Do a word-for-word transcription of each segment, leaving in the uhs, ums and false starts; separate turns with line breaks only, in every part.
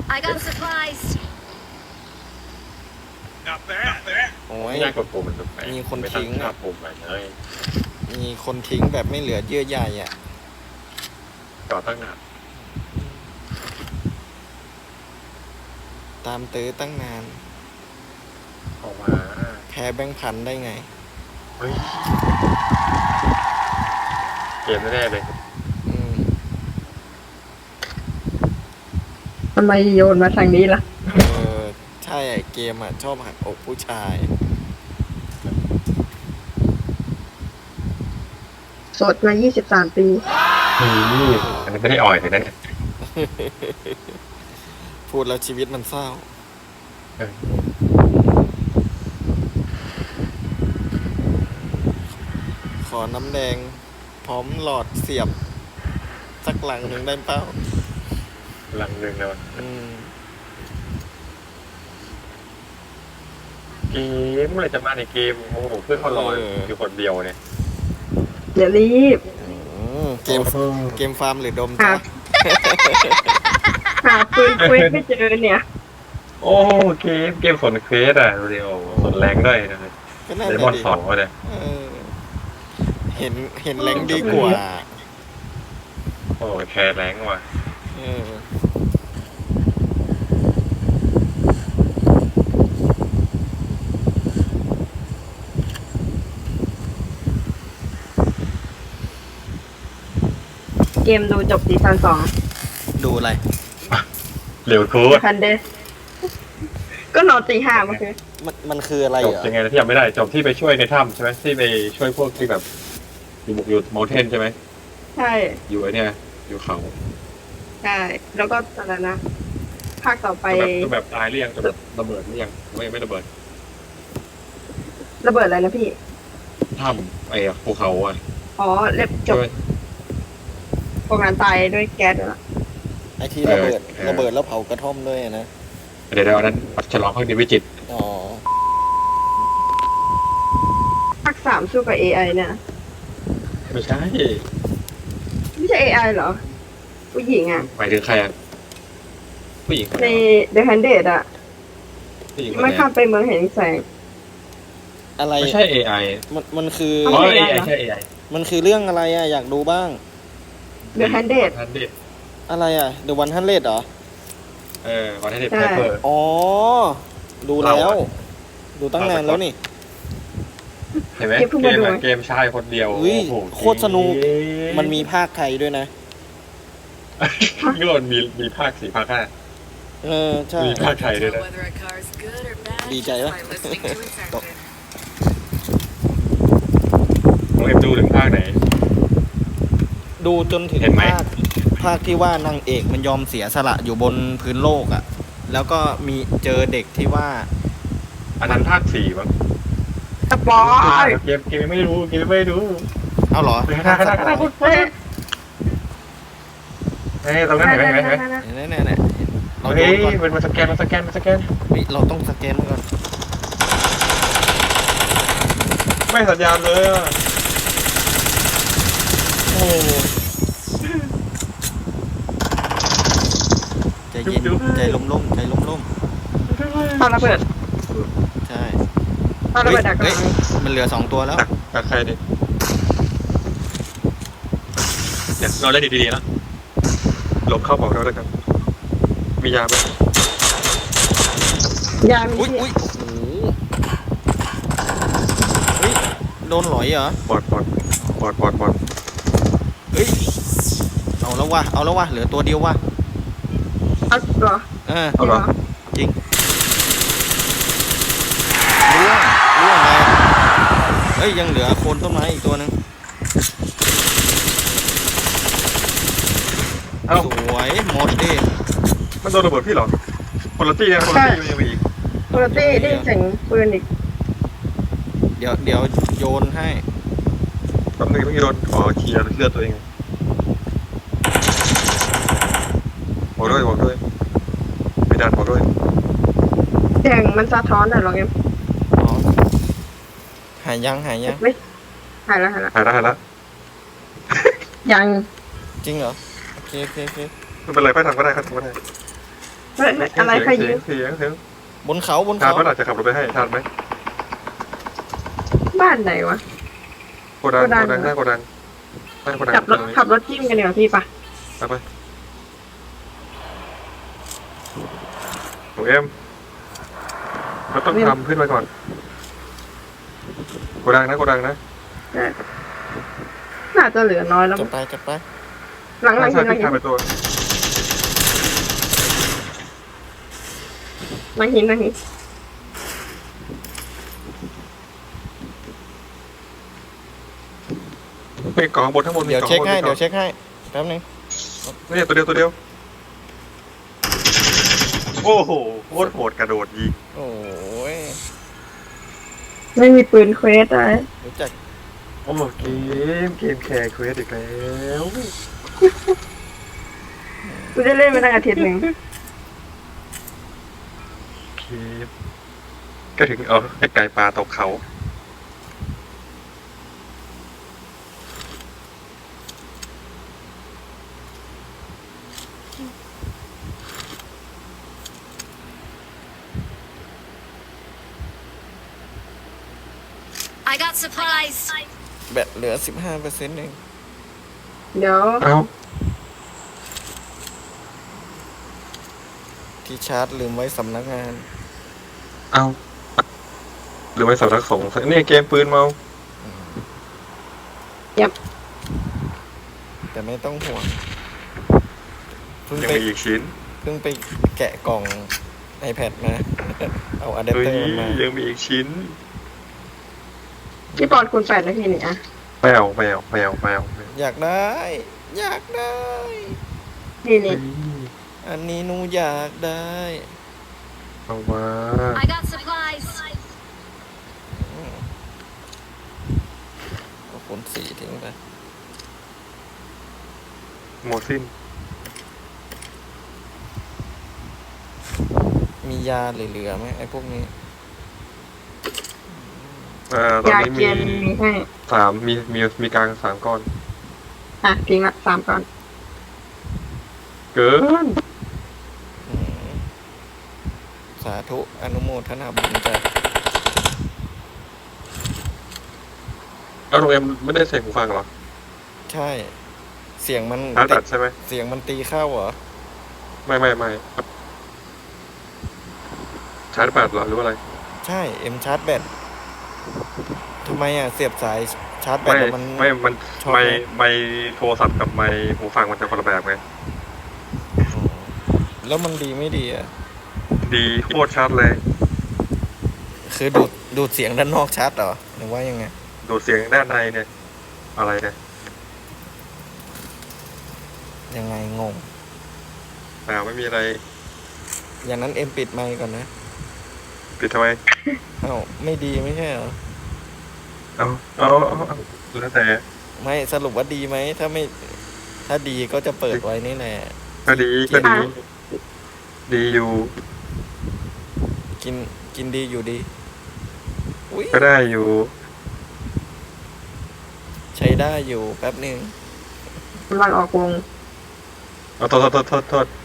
I got supplies.
Not bad.
โอ้ย
ไม่น่ากดปุ่มมันตรงไหน
มีคน
ไป
ทิ้ง
หน้า
อะ
ปุ่มไปเลย
มีคนทิ้งแบบไม่เหลือเยื่อใยอ่ะ
จอดตั้งนาน
ตามตื้อตั้งนาน
ออกมา
แพ้แบงค์พันได้ไง
เฮ้ยเกมแน่ๆเลย
อืม
ทำไมโยนมาทางนี้ล่ะ
เออ ใช่ไอ้เกมอ่ะ ชอบหักอกผู้ชาย
โสดมายี่สิบสามปี
นี่อันนี้ไม่ได้อ่อยเลยนะเนี่ย
พูดแล้วชีวิตมันเศร้า
เออ
ขอน้ำแดง พร้อมหลอดเสียบ สักหลังหนึ่งได้เปล่า
หลังหนึ่งแล้ว
อืม
เกมเมื่อไหรจะมาในเกมโอ้โหเพื่อนเขารอ
เออ
อยู่คนเดียวเนี่ย
อย่ารีบ
อืมเกม เกมฟาร์มหรือดม
หา
จ๊ะ
หาปืนคุยไม่เจอเนี่ย
โอ้เกมเกมสนเควสอ่ะเดียวสนแรงด้วยนะ
ก็นั่น
เล
แห
มอ
ละ
น
ดิ
สองเนี่ย
เออ เห็น เห็นแรงดีกว่า
โอ้แคร์แรงว่ะ
เออ
เกมดูจบซีซั่นสอง
ดูอะไร
เร็วโค้ด
คันเดสก็นอนตีห้าเมื่อคืน
มัน มันคืออะไร
จบ
เหรอ
ยังไงนะที่ยังไม่ได้จบที่ไปช่วยในถ้ำใช่ไหมที่ไปช่วยพวกที่แบบอยู่บุกอยู่มอลเทนใช่ไหม
ใช่
อยู่ไอเนี่ยอยู่เขา
ใช่ แล้วก็อะไรนะ ภาคต่อไป
จะแบบจะแบบตายหรือยังจะแบบระเบิดหรือยังไม่ไม่ระเบิด
ระเบิดอะไรนะพี่
ถ้ำไอ้ภูเขาอ่ะ
อ๋อ เล็บจบ
ช่วย
โรงงานตายด้วยแก๊สแล้ว
ไอที่ระเบิด
เออ
ระเบิดแล้วเผากระท่อมด้วยนะ
เดี๋ยวเดี๋ยวอันนั้นฉลองพักดีวิจิตร
อ๋อ
ภาคสามสู้กับ เอ ไอ เนี่ย
ไม่ใช่
ไม่ใช่ เอ ไอ เหรอ ผู้หญิงอ่ะ
หมายถึงใครอ่ะผู้หญิงคน
ใน
ไหนวะ
The Handed อ่ะ
ผู้หญิงคน
ไม่
ไหน
ข้าม
อะ
ไปเมืองแห่งแสง
อะไร
ไม่ใช่ เอ ไอ
มัน มันคือ
อ๋
อ๋
อ
อ
เอ
เอ
ไอ
ไอ
ใช่ เอไอ
มันคือเรื่องอะไรอ่ะ อยากดูบ้าง
The Handed
ทันเด
อะไรอ่ะ The วัน Hundred เหรอ
เออวันทันเด
ใช่
ไพเปอร์
อ๋อ ดูแล้ว
เราอะ
ดูตั้งนานแล้วนี่
เห็นไหม
เกมเพิ่ง
เก
มาม ดู
อะเกมชายคนเดียว
อุ้ย
โอ้โห
โคตรสนุก มันมีภาคไทยด้วยนะ
นี่มันมีมีภาคสี่ภาคห้า
เออ ใช่
มีภาคไทยด้วยนะ
Whether a car's good or bad
Đi
just
chạy đó.
by listening to its engine.
น้องเอ็มดูถึงภาคไหน
ดูจนถึง
เห็นไหม
ภาค ภาคที่ว่านางเอกมันยอมเสียสละอยู่บนพื้นโลกอ่ะ แล้วก็มีเจอเด็กที่ว่า
อันนั้นภาคสี่มั้ง
สปอย
เกมเกมไม่รู้เกมไม่รู้
เอาเหรอ
เฮ้ยข้างหน้าข้างหน้าข้างหน้าเฮ้ยเฮ้ยตรงนั้นเห็นไหมเห็นไหมเห็นไหม
เนี่ยเนี่ยเนี่ยเราโย
เฮ้ย
นก่อน
มันมาสแกนมาสแกนมาสแกน
เฮ้ยเราต้องสแกนมันก่อน
ไม่สัญญาณเลยอ่ะ
โอ้ใจเย็นใจล้มล้มๆใจล้มล้ม
ตอนระเบิด
ๆใช่
ตอนระเบิดดักก
เฮ้ย
ลาง
มันเหลือสองตัวแล้ว
ดักดักใครดิเดี๋ยวเราเล่นดีๆนะหลบเข้าของเราแล้วกันมียาไหม
ยามี
อุ้ย
ที่
อุ้ยโอ้โหเฮ้ยโดนหลอยเหรอ
บอดบอดบอดบอดบอด
เฮ้ยเอาแล้ววะเอาแล้ววะเหลือตัวเดียววะ
เอาเหรอ
เออ
เอาเหรอ
จริงร่วงร่วงไปเฮ้ยยังเหลือโคนต้นไม้อีกตัวหนึง
เอ้า
สวยหมดดิ
มันโดนระเบิดพี่เหรอคนละตี้นะคนละตี้มันยังมีอีก
โคโรตี้ได้ยินเสียงปืนอีก
เดี๋ยวเดี๋ยวโยนให้
แป๊บนึงต้องโดนขอเคลียร์เลือดตัวเองบอกด้วยบอกด้วยไม่ดันบอกด้วย
เสียงมันสะท้อนแต่ลองเอ็ม
อ๋อหายยังหายยัง
ไม่หายแล้วหายแล้ว
หายแล้วหายแล้ว
ยัง
จริงเหรอโอเคโอเคโอเค
ไม่เป็นไรไปทำก็ได้ครับทำก็ได้
เฮ้ยเฮ้ยอะไรใครยิง
เสียงเสียง
บนเขาบน
ทาน
เขา
ว่าอาจจะขับรถไปให้ทานไหม
บ้านไหนวะ
โกดัง
โกดัง
โกดังหน้าโกดังหน้าโกดัง
ขับรถขับรถจิ้มกันเดี๋ยวาพี่ปะ
ไปไปหนูเอ็มเราต้องทำขึ้นมาก่อนโกดังนะโกดังนะ
น่าจะเหลือน้อยแล้ว
จับไปจับไป
หลังหลัง
ใช่
หินหลัง
พี่
หิน
ทำไปตัว
หลังหินหลังหิน
มีกล่องบนทั้งหมดมี
เดี๋ยว
กล่อง
เช็ค
บน
ให้
มีกล่
เดี๋
อย ง
วเช็คให้แป๊บนึง
นี่ตัวเดียวตัวเดียวโอ้โหโคตรโหดกระโดดยิง
โอ้ย
ไม่มีปืนเควสอะไร
รู้จัก
โอ้เกมเกมแคร์เควสอีกแล้ว
กูจะเล่นไปตั้งอาทิตย์หนึ่ง
เกมก็ถึงเอาไอ้ไก่ปลาตกเขา
I got supplies.
แบตเหลือสิบห้าเปอร์เซ็นต์เอง
เดี๋ยว
เอ้า
ที่ชาร์จลืมไว้สำนักงาน
เอ้าหรือไม่สำนักสงฆ์นี่เกมปืนเมา
แต่ไม่ต้องห่วงเพิ่ง
ยัง
ไป
มีอีกชิ้น
เพิ่งไปแกะกล่อง iPad มา เอาอะแดป
เฮ้ย
เตอร์มา
ยังมีอีกชิ้น
พี่ปอนคูณแปดนาทีนี่อะ
แมวแมวแมวแมวแมว
อยากได้ อยากได้
นี่นี่
เฮ้ย
อันนี้หนูอยากได้
เอามา
I got supplies.
เอาคนสีทิ้งไป
หมดสิ้น
มียาเหลือๆไหมไอ้พวกนี้
อ่าตอน
ยา
นี้
เกี
มี
ยนมีให้
สามมีมีมีกลางสามก้อน
อ่ะทิ้งละสามก่อน
เกิน
อืมสาธุอนุโมทนาบุญจ้ะ
แล้วโรงแรมไม่ได้ใส่หูฟังเหรอ
ใช่ เสียงมัน
ชาร์จ
ติ
แบตใช่ไหม
เสียงมันตีเข้าเหรอ
ไม่ไม่ไม่ชาร์จแบตเหรอหรือว่าอะไร
ใช่เอ็มชาร์จแบตทำไมอ่ะ เสียบสายชาร์จแบต
ไม่
แล้วมัน
ไม่มัน
ชอบ
ไม่
ไหม
ไม่โทรศัพท์กับไม่หูฟังมันจะคนละแบบไง
อ๋อแล้วมันดีไม่ดีอ่ะ
ดีโคตรชัดเลย
คือดูดดูดเสียงด้านนอกชัดเหรอหรือว่ายังไง
ดูดเสียงด้านในเนี่ย อะไรเนี่ย
ยังไงงง
อ่าไม่มีอะไร
อย่างนั้นเอ็มปิดไมค์ก่อนนะ
ปิดทำไม
เอ้าไม่ดีไม่ใช่เหรอ
เอาเอาเอาเอาแล้วแต่
ไม่สรุปว่าดีไหมถ้าไม่ ถ้าดีก็จะเปิดไว้นี่แหละ
ก็ดีก็ดี ดีอยู่
กินกินดีอยู่ดีอุ้ย
ก็ได้อยู่
ใช้ได้อยู่แป๊บหนึ่ง
กำลังออกวง
เอาโทษโทษโทษโทษโทษ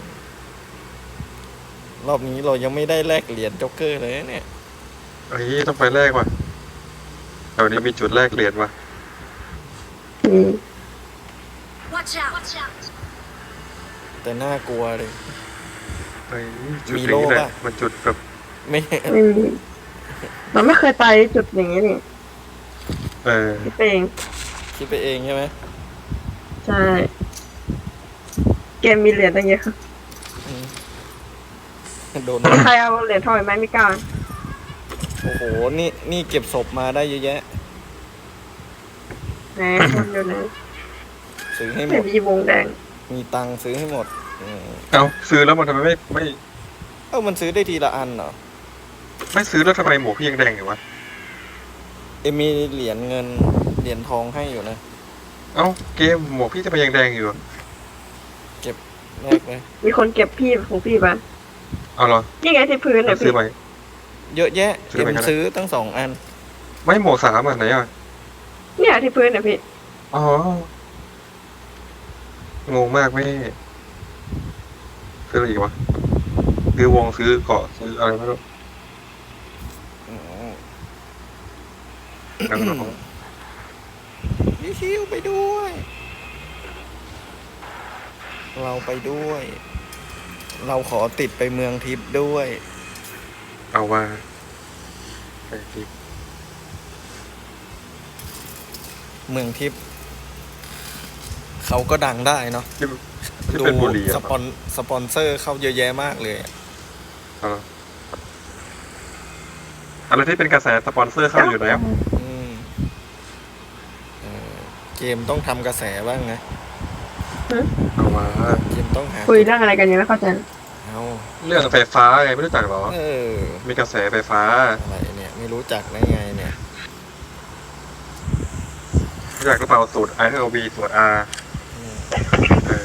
รอบนี้เรายังไม่ได้แลกเหรียญจ็อกเกอร์เลยนะเนี่ย
เฮ้ยต้องไปแรกว่ะแถวนี้มีจุดแรกเหรียญว่ะ
อืม
Watch out. Watch out.
แต่น่ากลัวเลย
เฮ้ยจุด
มี
นี้
โล่
แหละ
ปะ
มันจุดแบบ
ไม่
ไม่มีเราไม่เคยไปจุดอย่างนี้นี่
เออ
พี่เปง
คิดไปเองใช่ไหม
ใช่ เกมมีเหรียญตั้งเยอะ
อืมโดน
ใครเอาเหรียญทองไหมไม่กล้า
โอ้โห นี่นี่เก็บศพมาได้เยอะแยะ
แหมคนอยู่ไหน
ซื้อให้หม
ไม่
ด
มีวงแดง
มีตังค์ซื้อให้หมดอืม
เอาซื้อแล้วมันทำไมไม่ไม่
เอ้ามันซื้อได้ทีละอันเหรอ
ไม่ซื้อแล้วทำไมหมวกพี่ยังแดงอยู่วะ
เอ็มมีเหรียญเงิน เหรียญทองให้อยู่นะ
เอ้าเกมหมวกพี่จะไปยังแดงอยู่
แลกไหม
มีคนเก็บพี่ของพี่ปะ
เอาเหรอ
นี่ไงที่พื้นเนี่ย
ซื้
พี่
อไหม
เยอะแยะ
ซื้อ
เอ็
ไป
ม
กันนะ
ซื้อตั้งสองอัน
ไม่หมวกสามอ่ะไหนอ่ะ
เนี่ยที่พื้นเนี่ยพี่
อ๋อ งงมากแม่ซื้ออะไรอีกวะซื้อวงซื้อเกาะซื้ออะไรไม่รู้
อืม
นังน้อง
พี่คิวไปด้วย เราไปด้วย เราขอติดไปเมืองทิพย์ด้วย
เอาว่าไปดิ
เมืองทิพย์เขาก็ดังได้เนาะ
ที่ที่
ดู
เป็นบุรี
ส
อะ
ปอนสปอนเซอร์เข้าเยอะแยะมากเลยอะ
เอาอะไรที่เป็นกระแสสปอนเซอร์เข้าอยู่แล้ว
อืมเออเกมต้องทำกระแสบ้างนะ
เอาว่า
เกมต้องหา
คุยเรื่องอะไรกันยังไม่เข้าใจ
เอา
เรื่องไฟฟ้าไงไม่รู้จักเหรอ
เออ
มีกระแสไฟฟ้า
อะไรเนี่ย ไม่รู้จักได้ไงเนี่ย
รู้จักหรือเปล่าสูตร I เท่ากับ V สูตร R
อืม
เอ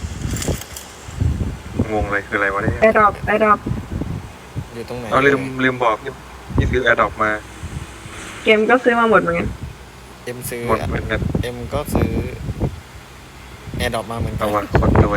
องงเลยคืออะไรวะเนี่ย
ไอดรอปไอดรอป
อยู่ตรงไหน
เอาลืมลืมบอกนี่นี่ซื้อ AirDrop มา
เกมก็ซื้อมาหมดเหมือนกัน
เอ็มซื้อ
หมดเหมือนกัน
เอ็มก็ซื้อแอร์ดรอปมาเหมือนกั
เอาว่าคนรวย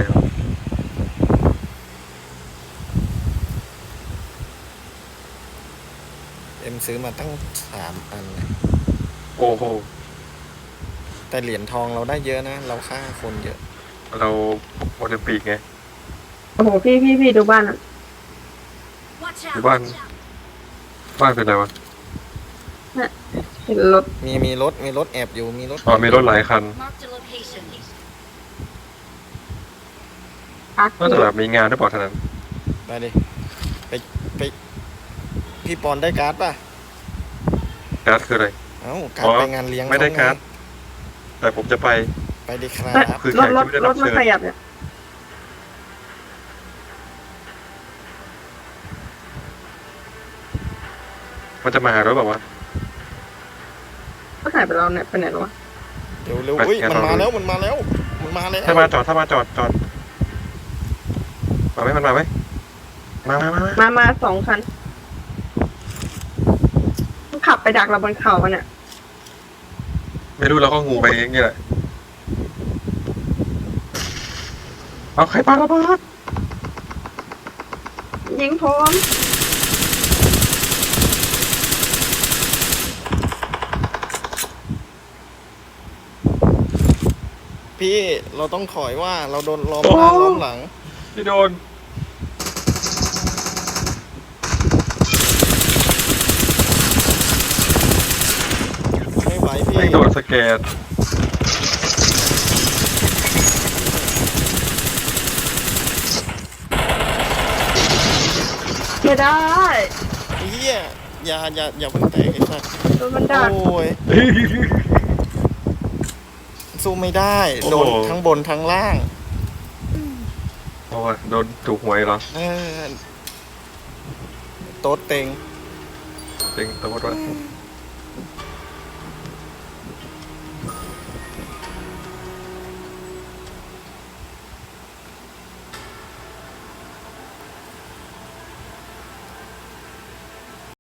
เอ็มซื้อมาตั้งสามอันนะ
โอ้โห
แต่เหรียญทองเราได้เยอะนะ เราฆ่าคนเยอะ
เราโอลิมปิกไง
โอ้โหพี่พี่พี่ดูบ้านอ่ะ
Watch
Cái
out!
bạn-
Watch out!
บ้านเป็นอะไรวะ
เห็นรถ
มีมีรถมีรถแอบอยู่มีรถ
อ๋อมีรถหลายคัน
Marked a location.
พัก
น่าจะแบบมีงานหรือเปล่าท่านั้น
ไปดิไปไปพี่ปอนได้การ์ดป่ะ
การ์ดคืออะไร
เอ้าการ์ด
อ๋อ
ไปงานเลี้ยง
ไม่ได้
เขง
การ์ด แต่ผมจะไป
ไปดิครั
เอ้ย
บ
คือ
รถรถ
แขกที่ไม่ได้
ร
รั
ถ
บ
มัน
เชิญ
ขยับเนี่ย
มันจะมาหารถแบบว่าว
ก็หายไปแล้วเนี่ยไปไหนแล้ววะ
เร็วเร็ว
ไป
อุ้ย
งั้น
มัน
เรา
มาแล้วมันมาแล้วมันมาแล้ว
ถ้ามาจอดถ้ามาจอดจอดมาไหมมันมาไหมมามามามา
มามาสองคันมันขับไปดักเราบนเขาอะเนี่ย
ไม่รู้เราก็งูไปเองนี่แหละเอาใครปาระเบิด
ยิงพร้อม
พี่เราต้องถอยว่าเราโดนล้อมหน้าล้อมหลัง
พี่โดน
ไม่ไหวพี่
ไม่โดนสแกน
ไม่ได้
เฮียอย่าอย่าอย่าเพิ่งแตกไอ้สัส
โดนมันดัก
โอ้ยสู้ไม่ได้โดนทั้งบนทั้งล่าง
โอ้ยโดนถูกหวยเหรอ
เออโต๊ดเต็ง
จริงตัวว่า